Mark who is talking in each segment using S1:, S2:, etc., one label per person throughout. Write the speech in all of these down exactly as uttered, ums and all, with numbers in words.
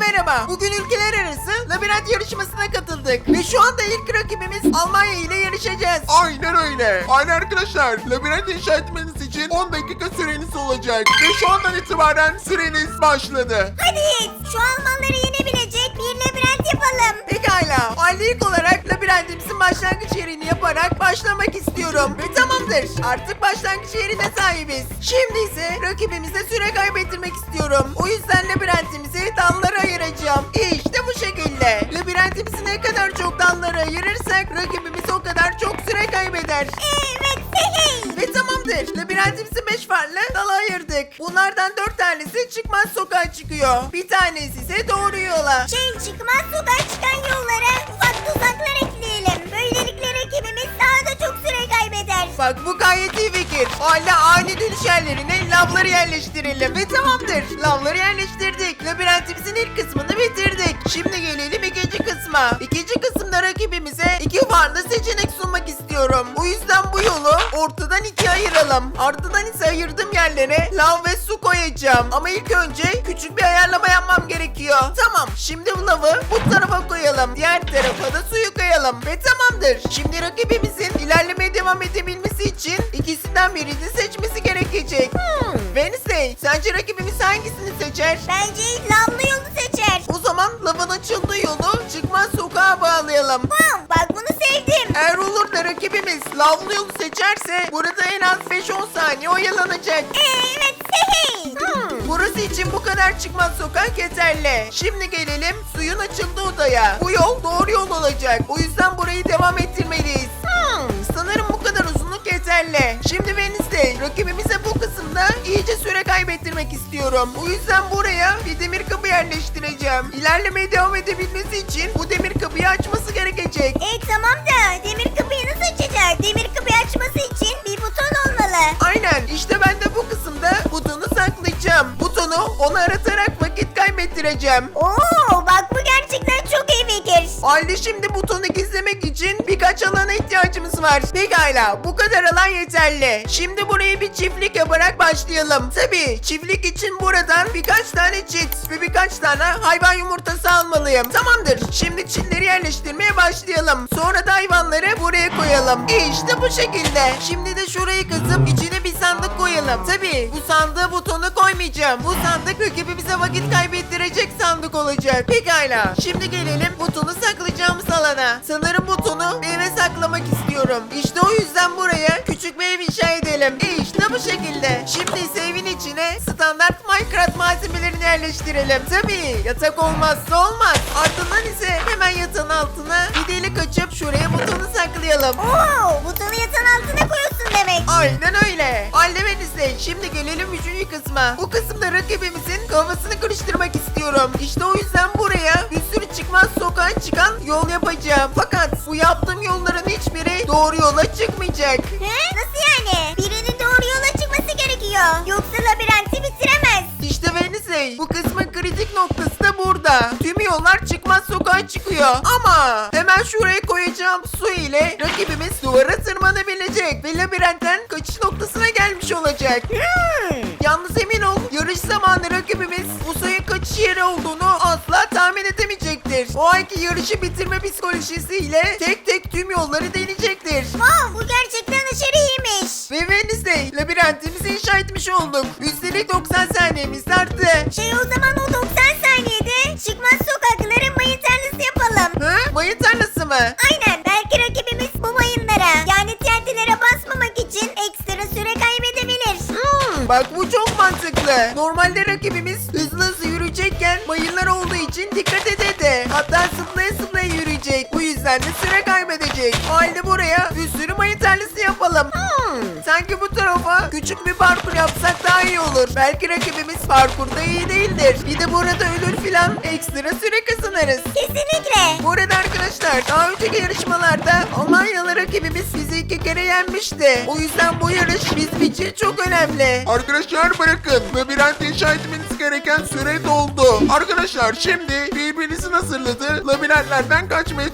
S1: merhaba. Bugün ülkeler arası labirent yarışmasına katıldık. Ve şu anda ilk rakibimiz Almanya ile yarışacağız.
S2: Aynen öyle. Aynen arkadaşlar. Labirent inşa etmeniz için on dakika süreniz olacak. Ve şu andan itibaren süreniz başladı.
S3: Hadi Yiğit, şu Almanları yenebilecek bir labirent yapalım.
S1: Pekala. Aile ilk olarak labirentimizin başlangıç yerini yaparak başlamak istiyorum. Ve tamamdır. Artık başlangıç yerine sahibiz. Şimdi ise rakibimize süre kaybettirmek istiyorum. O yüzden labirentimizi dallara ayıracağım. İşte bu şekilde. Labirentimizi ne kadar çok dallara ayırırsak rakibimiz o kadar çok süre kaybeder.
S3: Evet, hey.
S1: Ve tamamdır. Labirentimizi beş farklı dala ayırdık. Bunlardan dört tanesi çıkmaz sokağa çıkıyor. Bir tanesi ise doğru yola.
S3: Şey çıkmaz sokağa çıkan yollara ufak tuzaklar ekleyelim. Böylelikle rakibimiz daha da çok süre kaybeder.
S1: Bak bu gayet iyi fikir. Aile ani dönüş yerlerine lavları yerleştirelim. Ve tamamdır. Lavları yerleştirdik. Labirentimizin ilk kısmını bitirdik. Şimdi gelelim ikinci kısma. İkinci kısımda rakibimize iki farklı seçenek sunmak istiyorum. Bu yüzden bu yolu ortadan ikiye ayıralım. Ardından ise ayırdığım yerlere lav ve su koyacağım. Ama ilk önce küçük bir ayarlama yapmam gerekiyor. Tamam. Şimdi bu lavı bu tarafa koyalım. Diğer tarafa da suyu koyalım. Ve tamamdır. Şimdi rakibimizin ilerlemeye devam edebilmesi için ikisinden birini seçmesi gerekecek. Hmm. Wednesday, sence rakibimiz hangisini seçer?
S3: Bence lavlı yolu seçer.
S1: O zaman lavın açıldığı yolu çıkmaz sokağa bağlayalım.
S3: Wow, bak bunu sevdim.
S1: Eğer olur da rakibimiz lavlı yolu seçerse burada en az beş on saniye oyalanacak.
S3: Evet, hey.
S1: Hmm, burası için bu kadar çıkmaz sokak yeterli. Şimdi gelelim suyun açıldığı odaya. Bu yol doğru yol olacak. O yüzden burayı devam ettirmeliyiz. Hmm, sanırım bu kadar uzunluk yeterli. Şimdi Wednesday, rakibimize bu kısımda iyice süre kaybettirmek istiyorum. O yüzden buraya bir demir kapı yerleştireceğim. İlerlemeye devam edebilmesi için bu demir kapıyı açması gerekecek.
S3: E tamam da demir kapıyı nasıl açacak? Demir kapıyı açması için bir buton olmalı.
S1: Aynen, işte ben de bu kısımda butonu saklayacağım. Butonu ona aratarak vakit kaybettireceğim.
S3: Oo, bak bu gerçekten çok iyi fikir.
S1: Halde şimdi butonu gizlemek için birkaç alana ihtiyacımız var. Pekala, bu kadar alan yeterli. Şimdi burayı bir çiftlik yaparak başlayalım. Tabii çiftlik için buradan birkaç tane çit ve birkaç tane hayvan yumurtası almalıyım. Tamamdır. Şimdi çitleri yerleştirmeye başlayalım. Sonra da hayvanları buraya koyalım. İşte bu şekilde. Şimdi de şurayı kazıp içine bir sandık koyalım. Tabii bu sandığa butonu koymayacağım. Bu sandık rakibimize vakit kaybettirecek sandık olacak. Pekala. Şimdi gelelim butonu saklayacağımız alana. Sanırım butonu bir eve saklamak istiyorum. İşte o yüzden buraya küçük bir ev inşa edelim. İşte bu şekilde. Şimdi ise evin içine standart Minecraft malzemelerini yerleştirelim. Tabii yatak olmazsa olmaz. Ardından ise hemen yatağın altına bir delik açıp şuraya butonu saklayalım.
S3: Oo, butonu yatağın altına koyuyorsun demek.
S1: Aynen öyle. Halde ise şimdi gelelim üçüncü kısma. Bu kısımda rakibimizin kafasını karıştırmak istiyorum. İşte o yüzden buraya bir sürü çıkmaz sokağa çıkan yol yapacağım. Fakat bu yaptığım yolların hiçbiri doğru yola çıkmayacak.
S3: He? Nasıl yani? Birinin doğru yola çıkması gerekiyor. Yoksa labirenti bitiremez.
S1: İşte Wednesday, bu kısmın kritik noktası da burada. Tüm yollar çıkmaz sokağa çıkıyor. Ama hemen şuraya koyacağım su ile rakibimiz duvara tırmanabilecek ve labirentten kaçış noktasına gelmiş olacak.
S3: Hmm.
S1: Yalnız emin ol, yarış zamanı rakibimiz bu sayın kaçış yeri olduğunu asla tahmin edemeyecektir. O anki yarışı bitirme psikolojisiyle tek tek tüm yolları deneyecektir.
S3: Wow, bu gerçekten aşırı iyiymiş.
S1: Ve Wednesday, labirentimizi inşa etmiş olduk. Üstelik doksan saniyemiz arttı.
S3: Şey o zaman o doksan saniyede çıkmaz sokakların mayın tarlası yapalım.
S1: Hı? Mayın tarlası mı?
S3: Aynen, belki rakibimiz bu mayınlara yani T N T'lere basmamak için ekstra süre kaybedebilir.
S1: Hmm, bak bu çok mantıklı. Normalde rakibimiz hızlı hızlı yürüyecekken mayınlar olduğu için dikkat ededi. Hatta zıplaya zıplaya yürüyecek. Bu yüzden de süre kaybedecek. O halde buraya bir sürü mayın tarlası yapalım. Hmm, sanki bu tarafa küçük bir parkur yapsak daha iyi olur. Belki rakibimiz parkurda iyi değildir. Bir de burada ölür filan ekstra süre kazanırız.
S3: Kesinlikle.
S1: Bu arada arkadaşlar daha önceki yarışmalarda Almanyalı rakibimiz bizi iki kere yenmişti. O yüzden bu yarış bizim için çok önemli.
S2: Arkadaşlar bırakın. Labirent inşa etmeniz gereken süre doldu. Arkadaşlar şimdi birbirinizin hazırladığı labirentlerden kaçmaya çalışacaksınız.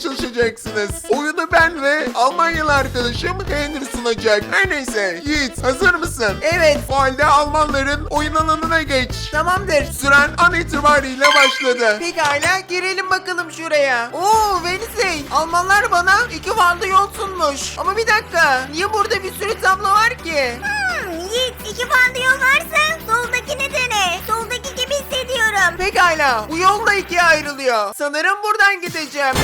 S2: olacaksınız. Oyunu ben ve Almanyalı arkadaşım Henry sunacak. Her neyse Yiğit, hazır mısın?
S1: Evet.
S2: O halde Almanların oyun alanına geç.
S1: Tamamdır.
S2: Süren an itibariyle başladı.
S1: Pekala girelim bakalım şuraya. Oo Wednesday. Almanlar bana iki farklı yol sunmuş. Ama bir dakika. Niye burada bir sürü tablo var ki?
S3: Hmm, Yiğit iki farklı yol varsa soldakini dene. Soldaki gibi hissediyorum.
S1: Pekala. Bu yol da ikiye ayrılıyor. Sanırım buradan gideceğim.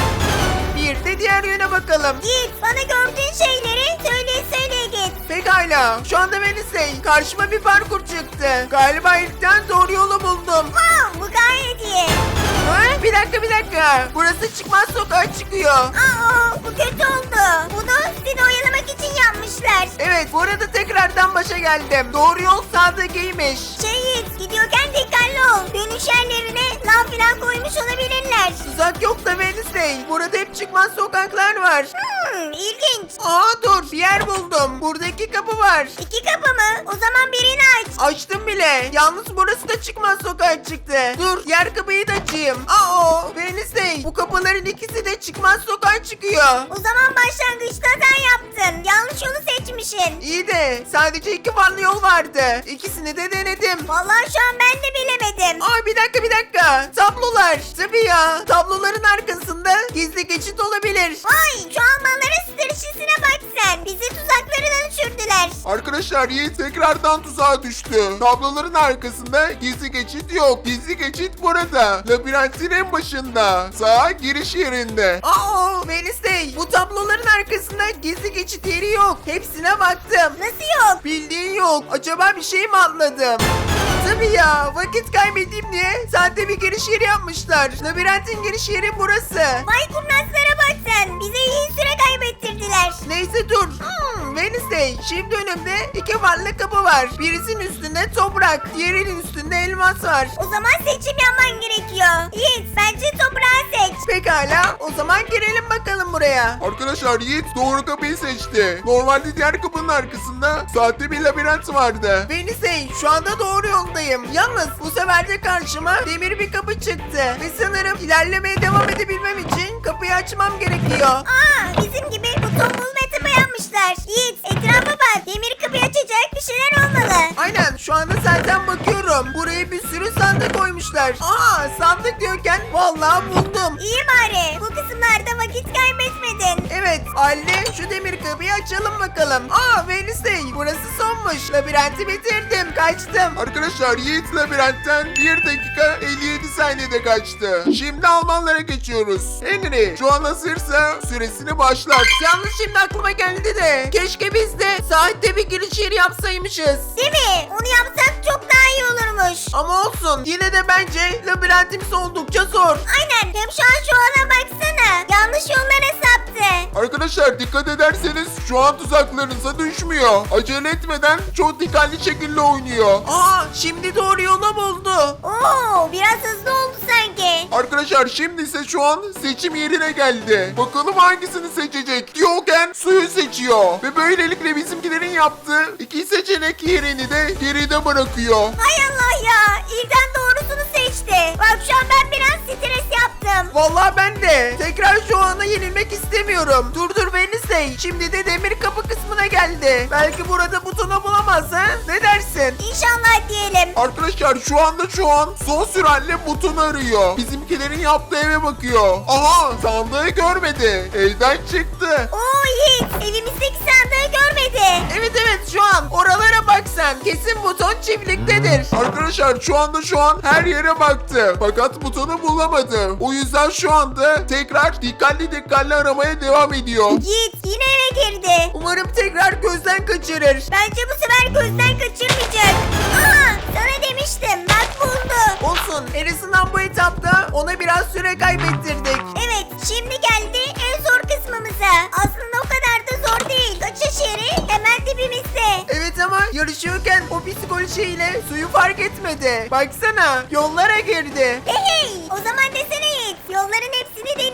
S1: Bir de diğer yöne bakalım.
S3: Yiğit bana gördüğün şeyleri söyleye söyleye git.
S1: Pekala. Şu anda Wednesday. Karşıma bir parkur çıktı. Galiba ilkten doğru yolu buldum.
S3: Wow, bu gayet iyi.
S1: Ha? Bir dakika bir dakika. Burası çıkmaz sokağa çıkıyor.
S3: Aa, bu kötü oldu. Bunu seni oyalamak için yapmışlar.
S1: Evet bu arada tekrardan başa geldim. Doğru yol sağdakiymiş.
S3: Şey Yiğit gidiyorken dikkatli ol. Dönüş yerlerine lav falan koymuş olabilirler.
S1: Tuzak yok da Wednesday. Burada hep çıkmaz sokaklar var.
S3: Hmm, ilginç.
S1: Aa dur bir yer buldum. Buradaki kapı var.
S3: İki kapı mı? O zaman birini aç.
S1: Açtım bile. Yalnız burası da çıkmaz sokağa çıktı. Dur diğer kapıyı da açayım. Aa Wednesday. Bu kapıların ikisi de çıkmaz sokağa çıkıyor.
S3: O zaman başlangıçta sen yaptın. Yanlış yolu seçmişsin.
S1: İyi de sadece iki farklı yol vardı. İkisini de denedim.
S3: Vallahi şu an ben de bilemedim.
S1: Aa bir dakika bir dakika. Tablolar. Tabii ya. Tabloların arkasında gizli geçit olabilir.
S3: Vay şu Almanların stratejisine bak sen. Bizi tuzaklarına düşürdüler.
S2: Arkadaşlar Yiğit tekrardan tuzağa düştü. Tabloların arkasında gizli geçit yok. Gizli geçit burada. Labirentin en başında. Sağa giriş yerinde.
S1: Aa Wednesday. Bu tabloların arkasında gizli geçit yeri yok. Hepsine baktım.
S3: Nasıl yok?
S1: Bildiğin yok. Acaba bir şey mi atladım? Tabii ya. Vakit kaybedeyim diye sahte bir giriş yeri yapmışlar. Labirentin giriş yeri burası.
S3: Vay kurnazlara bak sen. Bize iyi süre kaybettirdiler.
S1: Neyse dur. Hmm, Wednesday. Şimdi önümde iki farklı kapı var. Birisinin üstünde toprak. Diğerinin üstünde elmas var.
S3: O zaman seçim yapman gerekiyor. Yiğit bence toprağı seç.
S1: Pekala. O zaman girelim bakalım buraya.
S2: Arkadaşlar Yiğit doğru kapıyı seçti. Normalde diğer kapının arkasında sahte bir labirent vardı.
S1: Wednesday. Şu anda doğru yoldayım. Yalnız bu sefer de karşıma demir bir kapı çıktı. Ve sanırım ilerlemeye devam edebilmem için kapıyı açmam gerekiyor.
S3: Aa bizim gibi bu tombul meta yapmışlar. Yiğit etrafa bak. Demir kapıyı açacak bir şeyler olmalı.
S1: Aynen şu anda zaten bakıyorum. Buraya bir sürü sandık koymuşlar. Aa sandık diyorken vallahi buldum.
S3: İyi bari. Bu kısımlarda vakit kaybetmedin.
S1: Evet anne şu demir kapıyı açalım bakalım. Aa Wednesday burası sonmuş. Labirenti bitirdim kaçtım.
S2: Arkadaşlar Yiğit labirentten bir dakika elli yedi saniyede kaçtı. Şimdi Almanlara geçiyoruz. Henry şu an hazırsa süresini başlat.
S1: Yalnız şimdi aklıma geldi de keşke biz de saatte bir giriş yeri yapsaymışız.
S3: Değil mi? Onu yapsak çok daha iyi olurmuş.
S1: Ama olsun yine de bence labirentimiz oldukça zor.
S3: Aynen. Hem şu an şu ana baksana. Yanlış yollara saptı.
S2: Arkadaşlar dikkat ederseniz şu an tuzaklarınıza düşmüyor. Acele etmeden çok dikkatli şekilde oynuyor.
S1: Aa şimdi doğru yolu buldu.
S3: Oo biraz hızlı oldu sanki.
S2: Arkadaşlar şimdi ise şu an seçim yerine geldi. Bakalım hangisini seçecek? Diyorken suyu seçiyor. Ve böylelikle bizimkilerin yaptığı iki seçenek yerini de geride bırakıyor.
S3: Hay Allah ya. İlden doğrusunu seçti. Bak şu an ben biraz stres yaptım.
S1: Vallahi ben de. Tekrar şu ana yenilmek istemiyorum. Dur dur Wednesday. Şimdi de demir kapı kısmına geldi. Belki burada butonu bulamaz ha? Ne dersin?
S3: İnşallah diyelim.
S2: Arkadaşlar şu anda şu an son süratle butonu arıyor. Bizimkilerin yaptığı eve bakıyor. Aha sandığı görmedi. Evden çıktı.
S3: Oo Yiğit evimizdeki sandığı görmedi.
S1: Evet evet şu an oralara bak sen. Kesin buton çiftliktedir.
S2: Arkadaşlar şu anda şu an her yere baktı. Fakat butonu bulamadı. O yüzden şu anda tekrar dikkatli dikkatli aramaya devam ediyor.
S3: Yiğit yine eve girdi.
S1: Umarım tekrar gözden kaçırır.
S3: Bence bu sefer gözden kaçırmayacak. Aa sana demiştim bak buldu.
S1: Olsun. En azından bu etapta ona biraz süre kaybettirdik.
S3: Evet şimdi geldi en zor kısmımıza. Aslında o kadar da zor değil. Kaçış yeri hemen dibimizde.
S1: Evet ama yarışıyorken o psikolojiyle suyu fark etmedi. Baksana yollara girdi.
S3: Hey hey o zaman desene Yiğit yolların hepsini deneyecek.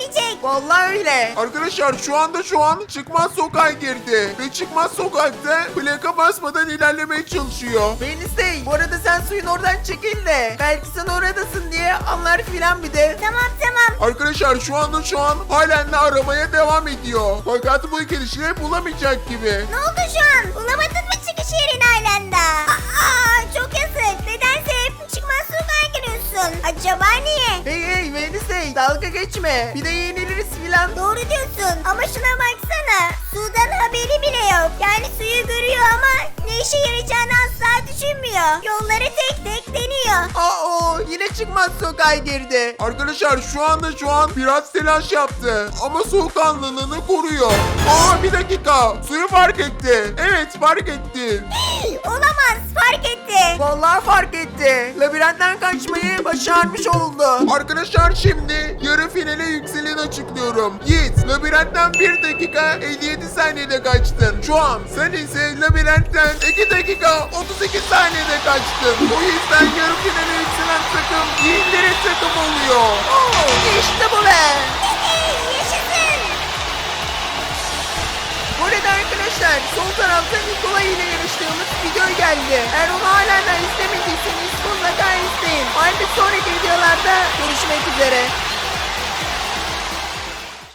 S1: Vallahi öyle.
S2: Arkadaşlar şu anda şu an çıkmaz sokağa girdi. Ve çıkmaz sokakta plaka basmadan ilerlemeye çalışıyor.
S1: Wednesday, bu arada sen suyun oradan çekil de. Belki sen oradasın diye anlar filan bir de.
S3: Tamam tamam.
S2: Arkadaşlar şu anda şu an halen de aramaya devam ediyor. Fakat bu girişleri bulamayacak gibi.
S3: Ne oldu şu an? Bulamadın mı çıkış yerini Aylanda? Aa çok yazık. Nedense hep çıkmaz sokağa giriyorsun. Acaba niye?
S1: Hey hey Wednesday, dalga geçme. Bir de yeniliriz filan.
S3: Doğru diyorsun ama şuna baksana. Sudan haberi bile yok. Yani suyu görüyor ama ne işe yarayacağını asla düşünmüyor. Yolları tek tek deniyor.
S1: Aa, yine çıkmaz sokağa girdi.
S2: Arkadaşlar şu anda şu an biraz telaş yaptı. Ama soğukkanlılığını koruyor. Aa bir dakika. Suyu fark etti. Evet fark etti.
S3: Olamaz fark etti.
S1: Vallahi fark etti. Labirentten kaçmayı başarmış oldu.
S2: Arkadaşlar şimdi yarı finale yükseleni açıklıyorum. Yiğit labirentten bir dakika elli yedi saniyede kaçtın. Şu an sen ise labirentten iki dakika otuz iki saniyede kaçtın. O yüzden yarı finale yükselen takım Yiğitlerin takım oluyor.
S1: Oo, işte bu be.
S3: Yaşasın.
S1: Bu arada arkadaşlar sol tarafta Nikola ile yarıştığımız video geldi. Eğer onu hala da izlemediyseniz mutlaka izleyin. Aynı sonraki videolarda görüşmek üzere.